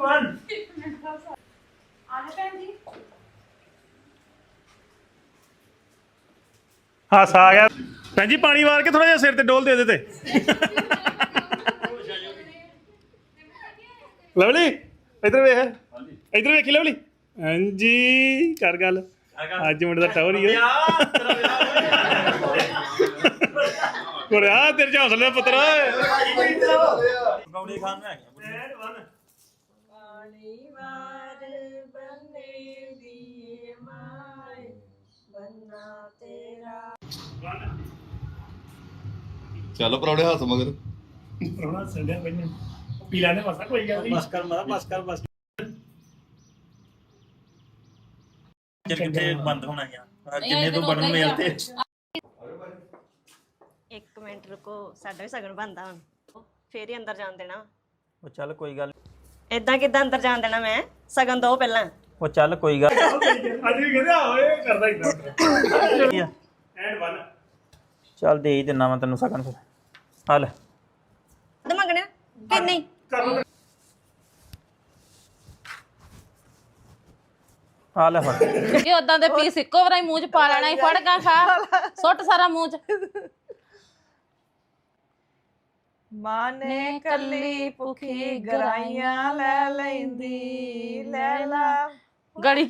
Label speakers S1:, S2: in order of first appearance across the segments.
S1: 1 ਹਾਸਾ ਆ ਗਿਆ ਭੈਣ ਜੀ ਪਾਣੀ ਵਾਰ ਕੇ ਥੋੜਾ ਜਿਹਾ ਸਿਰ ਤੇ ਡੋਲ ਦੇ ਦੇ ਤੇ ਲਵਲੀ ਇਧਰ ਵੇਖ ਇਧਰ ਵੇਖੀ ਲਵਲੀ ਹਾਂਜੀ ਕਰ ਗੱਲ ਅੱਜ ਮੁੰਡੇ ਦਾ ਟਾਵਰ ਹੀ ਹੈ ਕੋਰਿਆ ਤੇਰੇ ਚ ਹੌਸਲੇ ਪੁੱਤਰ
S2: ਗੌੜੀ ਖਾਨ ਨੂੰ ਹੈਗਾ
S3: ਪਾਣੀ ਵਾਰ ਬੰਨੇ ਦੀ ਮਾਏ ਬੰਨਾ ਤੇਰਾ
S4: ਚੱਲ ਪਰੌੜੇ ਹੱਥ ਮਗਰ
S1: ਰੋਣਾ ਸੰਡਿਆ ਪੈਣ ਪੀਲਾ ਨੇ ਮਸਾ ਕੋਈ ਗੱਲ ਨਹੀਂ
S2: ਬਸ ਕਰ ਮਾਰਾ ਬਸ ਕਰ ਬਸ ਕਿੱਥੇ ਬੰਦ ਹੋਣਾ ਯਾਰ ਕਿੰਨੇ ਤੋਂ ਬਣਨ ਮੇਲ ਤੇ
S3: 1 ਮਿੰਟ ਰੁਕੋ ਸਾਡਾ ਵੀ ਸਗਨ ਬੰਦਾ ਹੁਣ ਫੇਰ ਹੀ ਅੰਦਰ ਜਾਣ ਦੇਣਾ
S2: ਉਹ ਚੱਲ ਕੋਈ ਗੱਲ
S3: ਇਦਾਂ ਕਿਦਾਂ ਅੰਦਰ ਜਾਣ ਦੇਣਾ ਮੈਂ ਸਗਨ ਦੋ ਪਹਿਲਾਂ
S2: ਉਹ ਚੱਲ ਕੋਈ ਗੱਲ
S1: ਅੱਜ ਵੀ ਕਹਿੰਦਾ ਓਏ ਕਰਦਾ ਇਦਾਂ ਐਂਡ 1
S2: ਚੱਲ ਦੇ ਹੀ ਦਿੰਨਾ ਮੈਂ ਤੈਨੂੰ ਸਕਨ ਫਿਰ ਹਲ
S3: ਤੇ ਮੰਗਣਾ ਕਿ ਨਹੀਂ
S2: ਆ ਲੈ ਫੜ
S5: ਇਹ ਉਦਾਂ ਦੇ ਪੀਸ ਇੱਕੋ ਵਾਰੀ ਮੂੰਹ ਚ ਪਾ ਲੈਣਾ ਹੀ ਫੜ ਗਾ ਖਾ ਸੁੱਟ ਸਾਰਾ ਮੂੰਹ ਚ
S6: ਮਾਂ ਨੇ ਕੱਲੀ ਭੁੱਖੀ ਗਰਾਈਆਂ ਲੈ ਲੈਂਦੀ ਲੈ ਲਾ
S5: ਗੜੀ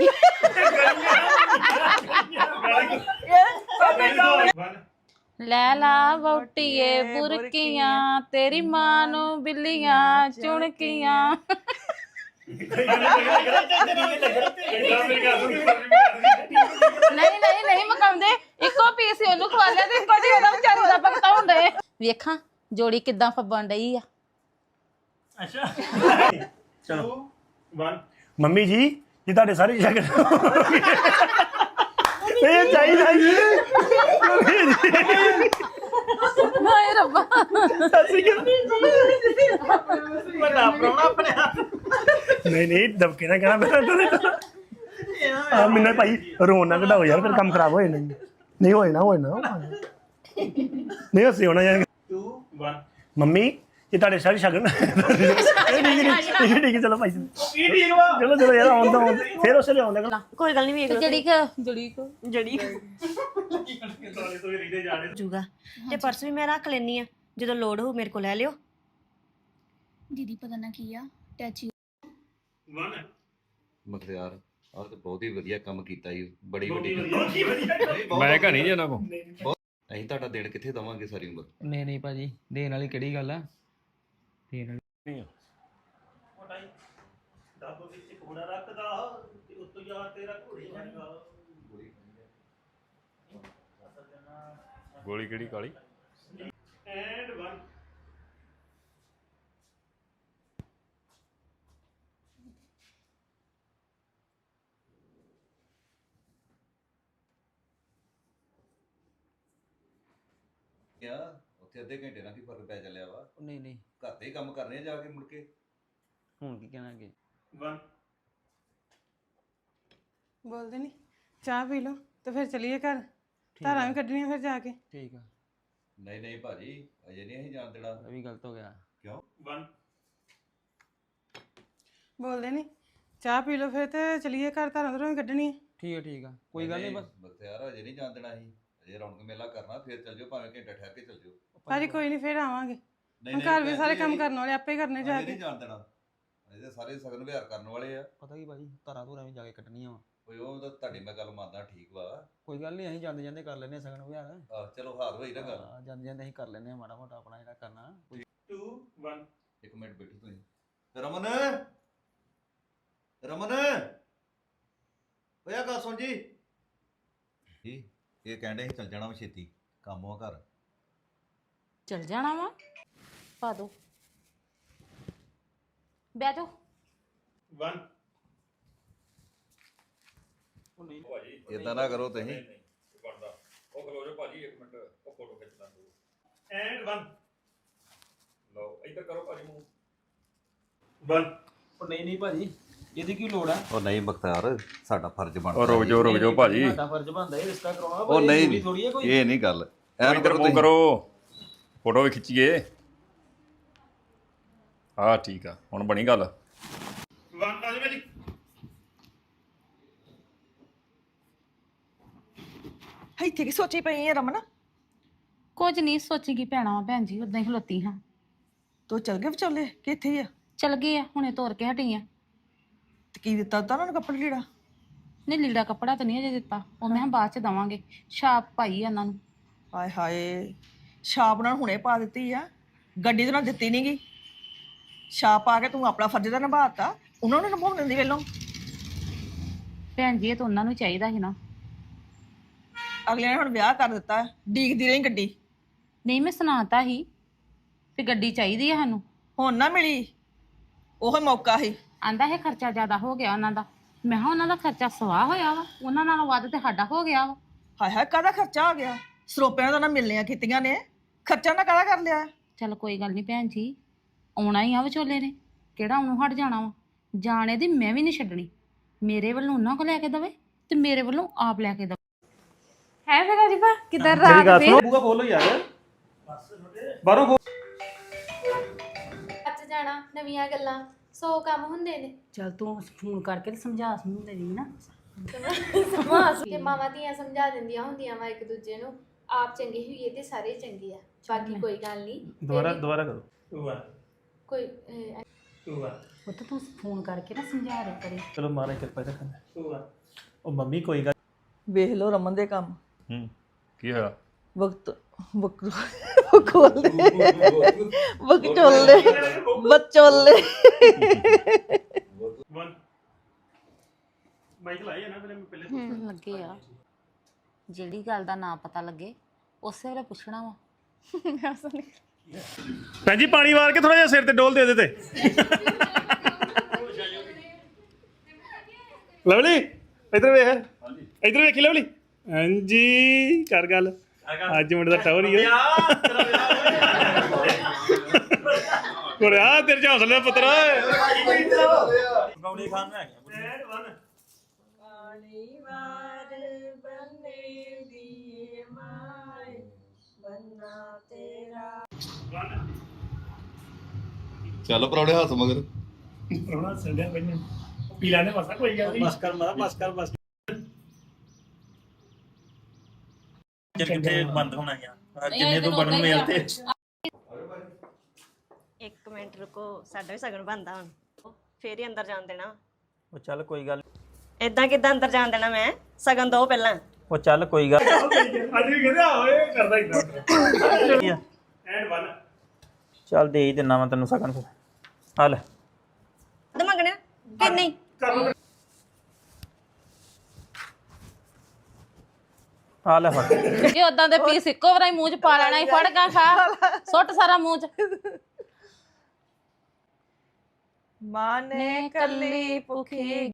S5: ਲੈ ਲਾ ਵੋਟੀਏ ਬੁਰਕੀਆਂ ਤੇਰੀ ਮਾਂ ਨੂੰ ਬਿੱਲੀਆਂ ਚੁਣਕੀਆਂ ਨਹੀਂ ਮਕਾਉਂਦੇ ਇੱਕੋ ਪੀਸ ਹੀ ਉਹਨੂੰ ਖਵਾ ਲਿਆ ਤੇ ਇੱਕੋ ਜੀ ਉਹਦਾ ਵਿਚਾਰੀ ਦਾ ਭਗਤਾ ਹੁੰਦੇ ਵੇਖਾਂ ਜੋੜੀ ਕਿੱਦਾਂ ਫੱਬਣ ਡਈ ਆ
S2: ਅੱਛਾ ਚਲੋ
S1: 1 ਮੰਮੀ ਜੀ ਜੀ ਤੁਹਾਡੇ ਸਾਰੇ ਸ਼ਗਨ ਇਹ ਚਾਹੀਦਾ ਜੀ
S5: ਹਾਏ ਰੱਬਾ
S2: ਵੱਡਾ ਪ੍ਰਾਹੁਣਾ ਆਪਣੇ ਹੱਥ
S1: ਨਹੀਂ ਦਬਕੇ ਨਾ ਕਹਿਣਾ ਮੈਨੂੰ ਭਾਈ ਰੋਣ ਨਾ ਕਢਾਓ ਯਾਰ ਫਿਰ ਕੰਮ ਖਰਾਬ ਹੋ ਜਾਣਾ ਨਹੀਂ ਹੋਏ ਨਾ ਨਹੀਂ ਹੱਸੇ ਹੋਣਾ ਯਾਰ
S2: 2 1
S1: ਮੰਮੀ ਇਹ ਤੁਹਾਡੇ ਸਾਰੇ ਸ਼ਗਨ ਠੀਕ ਚਲੋ ਭਾਈ ਚਲੋ ਯਾਰ ਆਉਂਦਾ ਫਿਰ ਉਸੇ ਲਿਆਉਂਦਾ
S3: ਕੋਈ ਗੱਲ ਨਹੀਂ ਵੇਖ ਲਓ
S5: ਜੜੀ
S3: ਜੂਗਾ ਤੇ ਪਰਸ ਵੀ ਮੈਂ ਰੱਖ ਲੈਣੀ ਆ ਜਦੋਂ ਲੋੜ ਹੋ ਮੇਰੇ ਕੋਲ ਲੈ ਲਿਓ
S7: दीदी पता ना किया टैची
S1: 1
S4: ਮਖਤਿਆਰ ਆਹ ਤੇ ਬਹੁਤ ਹੀ ਵਧੀਆ ਕੰਮ ਕੀਤਾ ਜੀ ਬੜੀ ਵੱਡੀ
S8: ਮੈਂ ਕਹਾਂ ਨਹੀਂ ਇਹਨਾਂ ਕੋ
S4: ਅਸੀਂ ਤੁਹਾਡਾ ਦਿਨ ਕਿੱਥੇ ਦਵਾਂਗੇ ਸਾਰੀ ਉਮਰ
S9: ਨਹੀਂ ਭਾਜੀ ਦੇਣ ਵਾਲੀ ਕਿਹੜੀ ਗੱਲ ਆ ਦੇਣ ਵਾਲੀ
S2: ਡੱਬ ਵਿੱਚ ਘੋੜਾ ਰੱਖਦਾ ਤੇ ਉੱਤੋਂ ਯਾਰ ਤੇਰਾ ਘੋੜੀ ਜਾਏਗਾ
S8: ਗੋਲੀ ਕਿਹੜੀ ਕਾਲੀ
S1: ਐਂਡ 1
S4: ਕਿਆ ਉੱਥੇ ਅੱਧੇ ਘੰਟੇ ਨਾਲ ਕੀ ਫਰਕ ਪੈ ਚੱਲਿਆ ਵਾ
S9: ਨਹੀਂ
S4: ਘਰ ਦੇ ਹੀ ਕੰਮ ਕਰਨੇ ਆ ਜਾ ਕੇ ਮੁੜ ਕੇ
S9: ਹੁਣ ਕੀ ਕਹਿਣਾ ਅੱਗੇ
S1: 1
S6: ਬੋਲਦੇ ਨਹੀਂ ਚਾਹ ਪੀ ਲਓ ਤੇ ਫਿਰ ਚਲੀਏ ਘਰ ਧਾਰਾਂ ਵੀ ਕੱਢਣੀਆਂ ਫਿਰ ਜਾ ਕੇ
S9: ਠੀਕ ਆ
S4: ਨਹੀਂ ਭਾਜੀ ਅਜੇ ਨਹੀਂ ਅਸੀਂ ਜਾਣ ਦੇਣਾ
S9: ਇਹ ਵੀ ਗਲਤ ਹੋ ਗਿਆ
S4: ਕਿਉਂ
S1: 1
S6: ਬੋਲਦੇ ਨਹੀਂ ਚਾਹ ਪੀ ਲਓ ਫਿਰ ਤੇ ਚਲੀਏ ਘਰ ਧਾਰਾਂ ਉਧਰੋਂ ਵੀ ਕੱਢਣੀਆਂ
S9: ਠੀਕ ਆ ਕੋਈ ਗੱਲ ਨਹੀਂ ਬਸ
S4: ਮਖਤਿਆਰ ਅਜੇ ਨਹੀਂ ਜਾਣ ਦੇਣਾ ਅਸੀਂ ਅਜੇ ਰੌਣਕ ਮੇਲਾ ਕਰਨਾ ਫਿਰ ਚੱਲ ਜਾਓ ਭਾਵੇਂ ਘੰਟਾ ਠਹਿਰ ਕੇ ਚੱਲ ਜਾਓ
S6: ਭਾਜੀ ਕੋਈ ਨਹੀਂ ਫਿਰ ਆਵਾਂਗੇ
S4: ਨਹੀਂ
S6: ਹੁਣ ਘਰ ਵੀ ਸਾਰੇ ਕੰਮ ਕਰਨ ਵਾਲੇ ਆਪੇ ਕਰਨੇ ਜਾ
S4: ਅਜੇ
S6: ਕੇ
S4: ਨਹੀਂ ਜਾਣ ਦੇਣਾ ਅਜੇ ਤਾਂ ਸਾਰੇ ਸਗਨ ਵਿਹਾਰ ਕਰਨ ਵਾਲੇ ਆ
S9: ਪਤਾ ਕੀ ਭਾਜੀ ਧਾਰਾਂ ਧੂਰਾਂ ਵੀ ਜਾ ਕੇ ਕੱਢਣੀਆਂ ਵਾ
S4: ਕੋਈ ਉਹ ਤਾਂ ਤੁਹਾਡੀ ਮੈਂ ਗੱਲ ਮੰਨਦਾ ਠੀਕ ਵਾ
S9: ਕੋਈ ਗੱਲ ਨਹੀਂ ਅਸੀਂ ਜਾਂਦੇ ਕਰ ਲੈਨੇ ਸਗਨ ਵਿਹਾਰ
S4: ਚਲੋ ਹਾਰ ਹੋਈ ਨਾ ਗੱਲ
S9: ਜਾਂਦੇ ਅਸੀਂ ਕਰ ਲੈਨੇ ਮਾੜਾ ਮੋਟਾ ਆਪਣਾ ਜਿਹੜਾ ਕਰਨਾ
S1: 2 1
S4: ਇੱਕ ਮਿੰਟ ਬੈਠੀ ਤੁਸੀਂ ਰਮਨ ਓਏ ਆ ਗੱਲ ਸੁਣ ਜੀ ਇਹ ਕਹਿੰਦੇ ਸੀ ਚੱਲ ਜਾਣਾ ਵਾ ਛੇਤੀ ਕੰਮ ਆ ਘਰ
S5: ਚਲ ਜਾਣਾ ਵਾ ਪਾ ਦੋ ਬਹਿ ਜਾਓ
S1: 1
S4: ਇਦਾਂ ਨਾ ਕਰੋ ਤੁਸੀਂ
S8: ਉਹ ਖਲੋ ਜਾ ਭਾਜੀ 1 ਮਿੰਟ ਉਹ ਫੋਟੋ ਖਿੱਚ ਲਾਂ
S1: ਐਂਡ 1
S8: ਲਓ ਇੱਧਰ ਕਰੋ ਭਾਜੀ ਮੂੰਹ
S1: 1
S9: ਉਹ ਨਹੀਂ ਭਾਜੀ ਇਹਦੀ ਕੀ ਲੋੜ ਆ
S4: ਉਹ ਨਹੀਂ ਬਖਤਿਆਰ ਸਾਡਾ ਫਰਜ਼ ਬਣਦਾ
S8: ਉਹ ਰੁਕ ਜਾਓ ਭਾਜੀ
S9: ਸਾਡਾ ਫਰਜ਼ ਬਣਦਾ ਇਹ ਰਿਸ਼ਤਾ ਕਰਾਉਣਾ
S4: ਉਹ ਨਹੀਂ
S9: ਥੋੜੀ ਹੈ ਕੋਈ
S4: ਇਹ ਨਹੀਂ ਗੱਲ ਐਨ
S8: ਇੱਧਰ
S4: ਕਰੋ
S8: ਮੂੰਹ
S4: ਤੁਸੀਂ
S8: ਕਰੋ ਫੋਟੋ ਵੀ ਖਿੱਚੀਏ ਹਾਂ ਠੀਕ ਆ ਹੁਣ ਬਣੀ ਗੱਲ
S1: 1 ਆ ਜਾ ਮੇਰੀ
S10: ਇੱਥੇ ਕੀ ਸੋਚੀ ਪਈ ਹੈ ਰਮਨ?
S5: ਕੁਝ ਨਹੀਂ ਸੋਚੀਗੀ ਪੈਣਾ ਵਾ ਭੈਣ ਜੀ, ਉਦਾਂ ਹੀ ਖਲੋਤੀ ਹਾਂ।
S10: ਤੂੰ ਚਲ ਗਏ ਵਿਚੋਲੇ ਕਿ ਇੱਥੇ ਹੀ ਆ?
S5: ਚਲ ਗਏ ਆ, ਹੁਣੇ ਤੋਰ ਕੇ ਹਟੀ ਆ।
S10: ਤੇ ਕੀ ਦਿੱਤਾ ਤਾ ਉਹਨਾਂ ਨੂੰ ਕੱਪੜੇ ਲੀੜਾ?
S5: ਨਹੀਂ ਲੀੜਾ ਕੱਪੜਾ ਤਾਂ ਨਹੀਂ ਅਜੇ ਦਿੱਤਾ, ਉਹ ਮੈਂ ਕਿਹਾ ਬਾਅਦ ਚ ਦਵਾਂਗੇ। ਛਾਪ ਪਾਈ ਆ ਉਹਨਾਂ ਨੂੰ।
S10: ਹਾਏ ਹਾਏ, ਛਾਪ ਨਾਲ ਹੁਣੇ ਪਾ ਦਿੱਤੀ ਆ, ਗੱਡੀ ਤੇ ਨਾਲ ਦਿੱਤੀ ਨੀ ਗੀ। ਛਾਪ ਪਾ ਕੇ ਤੂੰ ਆਪਣਾ ਫਰਜ਼ ਤਾਂ ਨਿਭਾਤਾ, ਉਹਨਾਂ ਨੂੰ ਨਿਭਾਉਣ ਦਿੰਦੀ ਵੇਲੋਂ।
S5: ਭੈਣ ਜੀ ਇਹ ਤਾਂ ਉਹਨਾਂ ਨੂੰ ਚਾਹੀਦਾ ਸੀ ਨਾ।
S10: ਅਗਲੇ ਨੇ ਹੁਣ ਵਿਆਹ ਕਰ ਦਿੱਤਾ, ਡੀਕਦੀ ਰਹੀ ਗੱਡੀ।
S5: ਨਹੀਂ ਮੈਂ ਸੁਣਾਤਾ ਸੀ ਵੀ ਗੱਡੀ ਚਾਹੀਦੀ ਆ ਸਾਨੂੰ।
S10: ਹੁਣ ਨਾ ਮਿਲੀ, ਉਹ ਮੌਕਾ ਸੀ।
S5: ਆਂਦਾ ਇਹ ਖਰਚਾ ਜ਼ਿਆਦਾ ਹੋ ਗਿਆ ਉਹਨਾਂ ਦਾ। ਮੈਂ ਕਿਹਾ ਉਹਨਾਂ ਦਾ ਖਰਚਾ ਸਵਾਹ ਹੋਇਆ ਵਾ, ਉਹਨਾਂ ਨਾਲੋਂ ਵੱਧ ਤੇ ਸਾਡਾ ਹੋ ਗਿਆ ਵਾ।
S10: ਹਾਏ ਹਾਏ, ਕਾਹਦਾ ਖਰਚਾ ਹੋ ਗਿਆ? ਸਰੋਪਿਆਂ ਦਾ ਨਾ ਮਿਲਣੀਆਂ ਕੀਤੀਆਂ ਨੇ, ਖਰਚਾ ਨਾ ਕਾਹਦਾ ਕਰ ਲਿਆ?
S5: ਚੱਲ ਕੋਈ ਗੱਲ ਨਹੀਂ ਭੈਣ ਜੀ, ਆਉਣਾ ਹੀ ਆ ਵਿਚੋਲੇ ਨੇ, ਕਿਹੜਾ ਉਹਨੂੰ ਹਟ ਜਾਣਾ ਵਾ। ਜਾਣੇ ਦੀ ਮੈਂ ਵੀ ਨਹੀਂ ਛੱਡਣੀ। ਮੇਰੇ ਵੱਲੋਂ ਉਹਨਾਂ ਕੋ ਲੈ ਕੇ ਦਵੇ ਤੇ ਮੇਰੇ ਵੱਲੋਂ ਆਪ ਲੈ ਕੇ ਦਵੇ।
S6: ਹੈ ਫਿਰ ਅਜੀਬਾ ਕਿੱਧਰ ਰਾਤ
S1: ਗੱਲ ਸੁਣੋ, ਬੂਗਾ ਖੋਲੋ ਯਾਰ ਬਾਹਰੋਂ ਖੋਲ।
S7: ਅੱਜ ਜਾਣਾ ਨਵੀਆਂ ਗੱਲਾਂ 100 ਕੰਮ ਹੁੰਦੇ ਨੇ
S5: ਚੱਲ ਤੂੰ ਫੋਨ ਕਰਕੇ ਤੇ ਸਮਝਾ ਸਮਝਦੇ ਨਹੀਂ ਨਾ।
S7: ਤੇ ਮਾਵਾਂ ਧੀਆਂ ਸਮਝਾ ਦਿੰਦੀਆਂ ਹੁੰਦੀਆਂ ਵਾ ਇੱਕ ਦੂਜੇ ਨੂੰ। ਆਪ ਚੰਗੇ ਹੋਈਏ ਤੇ ਸਾਰੇ ਚੰਗੇ ਆ। ਬਾਕੀ ਕੋਈ ਗੱਲ ਨਹੀਂ।
S1: ਦੁਬਾਰਾ ਕਰੋ।
S2: 2 1
S7: ਕੋਈ
S2: 2 1
S5: ਉਹ ਤਾਂ ਤੂੰ ਫੋਨ ਕਰਕੇ ਨਾ ਸਮਝਾ ਦੇ ਕਰੇ।
S1: ਚਲੋ ਮਾਰੇ ਕਿਰਪਾ ਰੱਖਣਾ।
S2: 2 1
S1: ਉਹ ਮੰਮੀ ਕੋਈ ਗੱਲ
S10: ਵੇਖ ਲਓ ਰਮਨ ਦੇ ਕੰਮ।
S8: ਕੀ ਹੋਇਆ?
S10: ਬਕਚੋਲੇ ਬੱਚੋਲੇ।
S1: 1 ਮਾਈਕ ਲਾਇਆ ਨਾ ਪਹਿਲੇ
S5: ਲੱਗੇ ਆ, ਜਿਹੜੀ ਗੱਲ ਦਾ ਨਾਂ ਪਤਾ ਲੱਗੇ ਉਸੇ ਵੇਲੇ ਪੁੱਛਣਾ ਵਾ।
S1: ਭੈਣ ਜੀ ਪਾਣੀ ਵਾਰ ਕੇ ਥੋੜਾ ਜਿਹਾ ਸਿਰ ਤੇ ਡੋਲ ਦੇ ਤੇ ਲਵਲੀ ਇਧਰ ਵੇਖ। ਇਧਰ ਵੇਖੀ ਲਵਲੀ। ਹਾਂਜੀ ਕਰ ਗੱਲ। ਅੱਜ ਮੁੰਡੇ ਦਾ ਟੌਰ ਹੀ ਆ ਕੋੜਿਆ ਤੇਰੇ ਚ ਹੌਸਲੇ ਪੁੱਤਰ।
S2: ਗੌੜੀ ਖਾਨ ਨੂੰ ਹੈਗਾ 1
S4: ਚੱਲ ਪਰੌੜੇ ਹੱਥ ਮਗਰ।
S2: ਰੋਣਾ ਸੰਡਿਆ ਪਈਆਂ ਪੀਲਾ ਨੇ ਮਸਾ ਕੋਈ ਗੱਲ ਨਹੀਂ। ਬਸ ਕਰ ਮਾਰਾ ਬਸ ਕਰ ਬਸ। ਕਿੱਥੇ ਬੰਦ ਹੋਣਾ ਯਾਰ, ਕਿੰਨੇ ਤੋਂ ਬਣਨ ਮੇਲ ਤੇ।
S3: 1 ਮਿੰਟ ਰੁਕੋ, ਸਾਡਾ ਵੀ ਸਗਨ ਬਣਦਾ ਹੁਣ, ਫੇਰ ਹੀ ਅੰਦਰ ਜਾਣ ਦੇਣਾ।
S2: ਉਹ ਚੱਲ ਕੋਈ ਗੱਲ।
S3: ਇਦਾਂ ਕਿੱਦਾਂ ਅੰਦਰ ਜਾਣ ਦੇਣਾ ਮੈਂ? ਸਗਨ ਦੋ ਪਹਿਲਾਂ।
S2: ਉਹ ਚੱਲ ਕੋਈ ਗੱਲ।
S1: ਅੱਜ ਵੀ ਕਹਿੰਦਾ ਓਏ ਕਰਦਾ ਇਦਾਂ। ਐਂਡ 1
S2: ਚੱਲ ਦੇ ਹੀ ਦਿੰਨਾ ਮੈਂ ਤੈਨੂੰ ਸਕਨ ਫਿਰ। ਆ ਲੈ
S3: ਤੇ ਮੰਗਣਾ ਕਿ ਨਹੀਂ?
S2: ਆ ਲੈ ਫੜ।
S5: ਇਹ ਉਦਾਂ ਦੇ ਪੀਸ ਇੱਕੋ ਵਾਰੀ ਮੂੰਹ ਚ ਪਾ ਲੈਣਾ ਹੀ। ਫੜ ਗਾ ਖਾ, ਸੁੱਟ ਸਾਰਾ ਮੂੰਹ ਚ।
S10: ਮਾਂ ਨੇ ਕੱਲੀ ਭੁੱਖੀ